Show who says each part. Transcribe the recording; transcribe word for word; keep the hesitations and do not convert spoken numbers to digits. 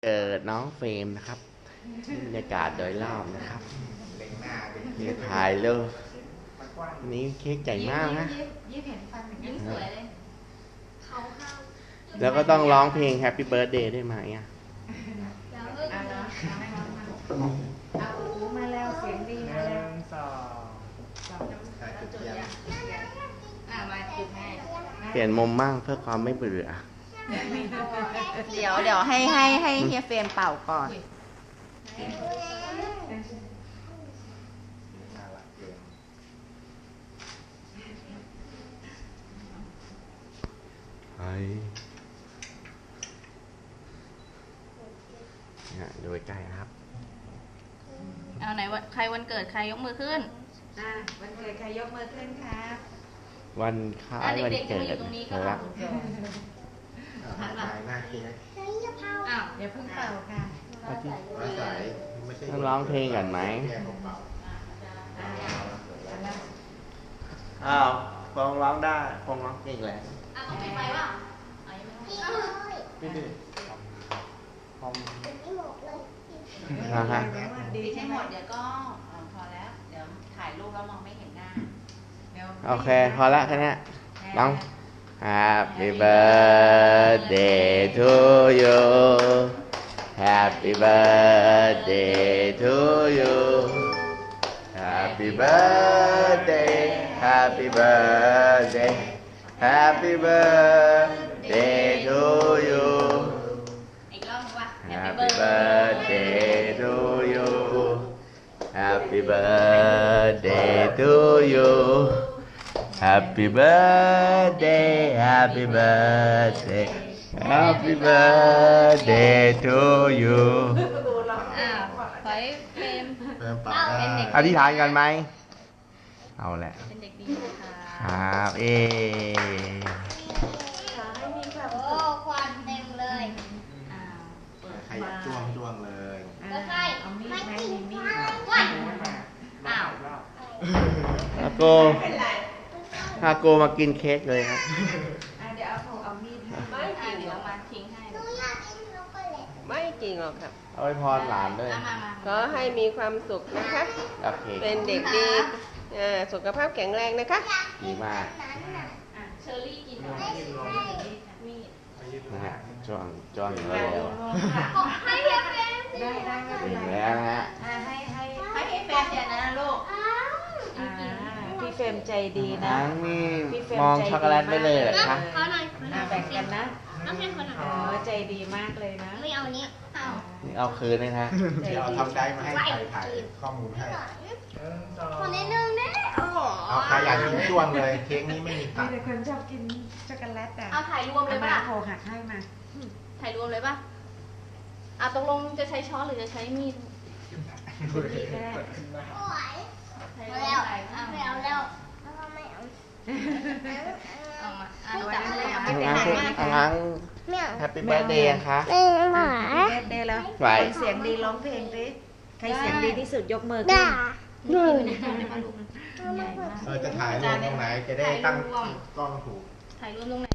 Speaker 1: เกิดน้องเฟรมนะครับบรรยากาศโดยรอบนะครับเดี๋ยวถ่ายเร็วนี้เค้กใหญ่มากนะแล้วก็ต้องร้องเพลง Happy Birthday ได้ไหมอ่ะ
Speaker 2: มาแล้วเสียงดีมาแล้วสอง
Speaker 1: เปลี่ยนมุมมั่งเพื่อความไม่เบื่อ
Speaker 3: เดี๋ยวเดี๋ยวให้ให้ให้เฮียเฟรมเป่าก่อน
Speaker 1: เฮ้ยเนี่ยดูใกล้ๆครับ
Speaker 3: เอาไหนวันใครวันเกิดใครยกมือขึ้น
Speaker 2: อ่าวันเกิดใครยกมือขึ้นครับ
Speaker 1: วันคล้ายวันเกิดครับ
Speaker 2: ถ่ายหน้าเค้กอ้าวอย่าเพิ่งเป่าค่ะ
Speaker 1: ต้องร้องเพลงกันไหมอ้าวฟองร้องได้ฟองร้องเก่งแหละ
Speaker 3: อ่ะต้องปิดไฟป่ะ
Speaker 1: ไม่ดื้อฟอง
Speaker 3: นะฮะดีใช่หมดเดี๋ยวก็พอแล้วเดี๋ยวถ่ายรูปแล้วมองไม่เห็นหน้า
Speaker 1: โอเคพอละแค่นี้น้อง Happy birthday to you Happy birthday to you Happy birthday Happy birthday Happy birthday to you
Speaker 3: อีกรอบว่า
Speaker 1: Happy birthday to you Happy birthday to you Happy birthday Happy birthday Happy birthday to you
Speaker 3: อ้าวขอให้เฟรมเป็นเด็ก
Speaker 1: อธิษฐานกันไหมเอาแหละ
Speaker 3: เป็นเด็กดีนะคะ
Speaker 1: ครับเอ
Speaker 2: ขอให้มีความ
Speaker 4: โอ้ควันเต็มเลย
Speaker 3: อ้าว
Speaker 5: ใครอยากจ้วงจ้วงเลย
Speaker 4: ก็ใช่
Speaker 2: เอามีดไหมมีมีด
Speaker 4: ควัน
Speaker 3: อ้าว
Speaker 1: ฮาโกฮาโกมากินเค้กเลยครับ
Speaker 2: เดี๋ยวเอาถูเอามีดให้
Speaker 3: ไม่จริงเดี๋ยวมาทิ้งให้
Speaker 6: ไม่จริงหรอกครับ
Speaker 1: เอาไว้พรหลานด้วย
Speaker 6: ขอให้มีความสุขนะคะ เป็นเด็กดีสุขภาพแข็งแรงนะคะ
Speaker 1: ดีมาก
Speaker 3: เชอรี่กินมีด
Speaker 1: นะฮะจ้วงจ้วงเร็ว
Speaker 4: ให้เพื่อน
Speaker 2: ได้ได้
Speaker 1: ถึงแล้วนะฮะ
Speaker 2: ให้ให้
Speaker 3: ให้ให้เฟรมเดี๋ยวนะลูก
Speaker 2: พี่เฟรมใจดีนะ
Speaker 1: ทั้งนี่มองช็อกโกแลตไปเลยเหรอคะ
Speaker 4: ขอหน่อย
Speaker 2: แบ่งกันนะ
Speaker 4: ต้องให้คนหน่อย
Speaker 2: เออใจดีมากเลยนะ
Speaker 4: ไม่เอานี้เอา
Speaker 1: นี่เอาคืนเลยนะ
Speaker 5: เดี๋ยวทำได้มาให้ใครถ่ายข้อมูลให้
Speaker 4: คนนิดนึงได้โอ้โห
Speaker 5: เอาใครอยากกินจ้วงเลยเค้กนี้ไม่มีตั
Speaker 2: มี
Speaker 5: ด
Speaker 2: แต่คนชอบกินช็อกโกแลตอ่ะ
Speaker 3: เอาถ่ายรวมเลยป่ะ
Speaker 2: โคหักให้มา
Speaker 3: ถ่ายรวมเลยป่ะอ่ะตกลงจะใช้ช้อนหรือจะใช้มีด
Speaker 4: โอ้ยไม่เอาไม่เอาแล้วไม่เอา
Speaker 3: เอามาอ่ะ
Speaker 1: จับเลยเอาไปทั้งแฮปปี้เบิร์ดเดย์ค่ะ
Speaker 2: แฮปปี้เบิร์ดเดย์แล้วคนเสียงดีร้องเพลงดิใครเสียงดีที่สุดยกมือขึ้น
Speaker 4: หนึ่ง
Speaker 5: เออจะถ่ายรูปตรงไหนจะได้ตั้งกล้องถูก
Speaker 3: ถ่ายรูปตรงไหน